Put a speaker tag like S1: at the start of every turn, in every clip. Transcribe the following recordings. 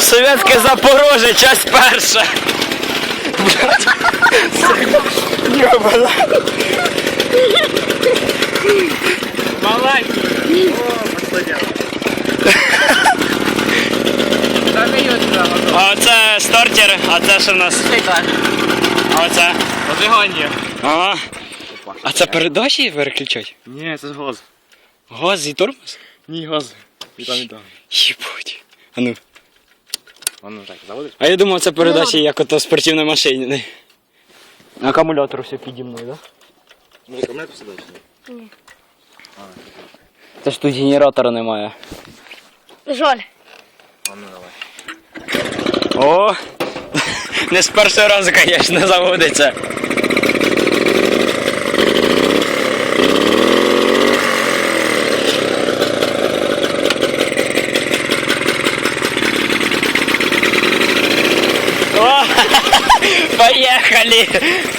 S1: Совєтське Запорожжя, часть перша. Йобана.
S2: Маленький.
S1: А оце стартер, а це що в нас? А оце?
S2: Зажигання.
S1: Ага. А це передачі переключать?
S2: Ні, це ж газ.
S1: Газ і тормоз?
S2: Ні, газ. І там, і там.
S1: Єбуть. А ну.
S2: Воно так, заводиш?
S1: А я думав, це передачі як ото в спортивній машині. Акумулятор все піді мною, так?
S2: Ну, акумулятор сюди?
S3: Ні.
S1: Це ж тут генератора немає.
S3: Жаль.
S2: А ну давай.
S1: О! Не з першого разу, звісно, заводиться. О! Поехали!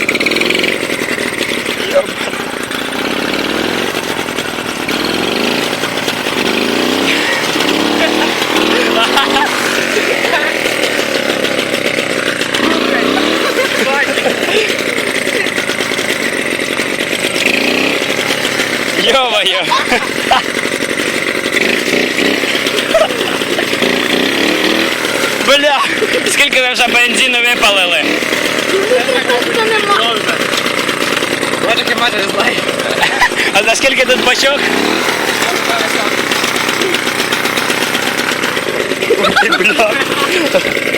S1: Ё-моё! Бля! Скільки ви вже бензину випалили?
S2: Бачиш, який матір знає.
S1: А за скільки тут бачок? Ой, бля!